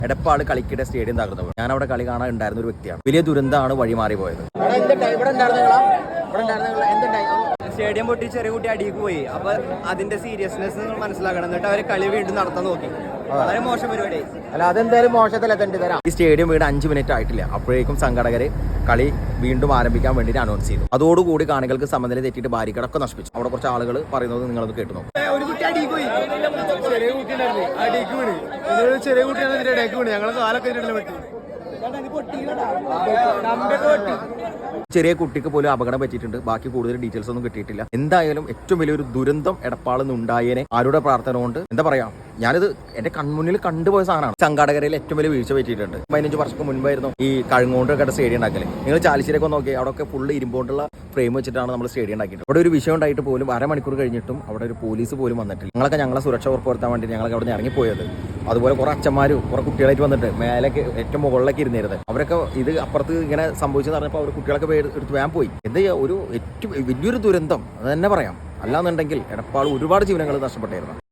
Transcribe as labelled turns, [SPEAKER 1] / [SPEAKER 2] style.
[SPEAKER 1] Edappal കളിക്കിടെ stadium തകർന്നു. ഞാൻ അവിടെ കളി കാണാൻ ഉണ്ടായിരുന്ന ഒരു വ്യക്തിയാണ്. വലിയ ദുരന്തമാണ് വഴിമാറി പോയത്.
[SPEAKER 2] സ്റ്റേഡിയം പൊട്ടി ചെറിയ കുട്ടി അടിക്ക് പോയി. അപ്പൊ അതിന്റെ സീരിയസ്നെസ് മനസ്സിലാക്കണം. എന്നിട്ട് അവര് കളി വീണ്ടും നടത്താൻ നോക്കി. വളരെ മോശം പരിപാടി.
[SPEAKER 1] അല്ല, അതെന്തായാലും മോശത്തില്ല. തരാം. ഈ സ്റ്റേഡിയം വീട് 5 മിനിറ്റ് ആയിട്ടില്ല. അപ്പോഴേക്കും സംഘടകര് കളി വീണ്ടും ആരംഭിക്കാൻ വേണ്ടിയിട്ട് അനൗൺസ് ചെയ്തു. അതോടുകൂടി കാണികൾക്ക് സമനില തെറ്റിയിട്ട് ബാരിക്കടൊക്കെ നശിപ്പിച്ചു. അവിടെ കുറച്ച് ആളുകൾ പറയുന്നത് നിങ്ങളത് കേട്ടു നോക്കും.
[SPEAKER 2] ഒരു കുട്ടി അടിക്ക് പോയി. ചെറിയ കുട്ടി അടിക്ക് വീണ്. ചെറിയ കുട്ടിയാണ് ഇതിന്റെ ഇടയ്ക്ക് വീണ്. ഞങ്ങളെ കാലൊക്കെ പറ്റി.
[SPEAKER 1] ചെറിയ കുട്ടിക്ക് പോലും അപകടം പറ്റിയിട്ടുണ്ട്. ബാക്കി കൂടുതൽ ഡീറ്റെയിൽസ് ഒന്നും കിട്ടിയിട്ടില്ല. എന്തായാലും ഏറ്റവും വലിയൊരു ദുരന്തം എടപ്പാളിൽ നിന്ന് ഉണ്ടായേനെ ആരുടെ പ്രാർത്ഥന കൊണ്ട് എന്താ പറയാ, ഞാനിത് എന്റെ കൺമുന്നിൽ കണ്ടുപോയ സാധനമാണ്. സംഘാടകരയിൽ ഏറ്റവും വലിയ വീഴ്ച പറ്റിയിട്ടുണ്ട്. 15 വർഷങ്ങൾക്ക് മുൻപായിരുന്നു ഈ കഴുങ്ങോണ്ടൊക്കെ സ്റ്റേഡിയം ഉണ്ടാക്കല്. നിങ്ങൾ ചാലിശ്ശേരിയൊക്കെ നോക്കി, അവിടെ ഫുള്ള് ഇരുമ്പോണ്ടുള്ള ഫ്രെയിം വെച്ചിട്ടാണ് നമ്മൾ സ്റ്റേഡിയം ഉണ്ടാക്കിയിട്ട്. അവിടെ ഒരു വിഷയം ഉണ്ടായിട്ട് പോലും അരമണിക്കൂർ കഴിഞ്ഞിട്ടും അവിടെ ഒരു പോലീസ് പോലും വന്നിട്ടില്ല. ഞങ്ങളൊക്കെ ഞങ്ങളെ സുരക്ഷ ഉറപ്പുവരുത്താൻ വേണ്ടി ഞങ്ങളൊക്കെ അവിടെ നിന്ന് ഇറങ്ങിപ്പോയത്. അതുപോലെ കുറെ അച്ഛന്മാരും കുറെ കുട്ടികളായിട്ട് വന്നിട്ട് മേലേക്ക് ഏറ്റവും മുകളിലേക്ക് ഇരുന്നിരുന്നത്. അവരൊക്കെ ഇത് അപ്പുറത്ത് ഇങ്ങനെ സംഭവിച്ചെന്ന് പറഞ്ഞപ്പോൾ അവർ കുട്ടികളൊക്കെ എടുത്ത് വേഗം പോയി. എന്താ ചെയ്യുക, ഒരു ഏറ്റവും വലിയൊരു ദുരന്തം അത് തന്നെ പറയാം. അല്ലാന്നുണ്ടെങ്കിൽ എടപ്പാൾ ഒരുപാട് ജീവനങ്ങൾ നഷ്ടപ്പെട്ടായിരുന്നു.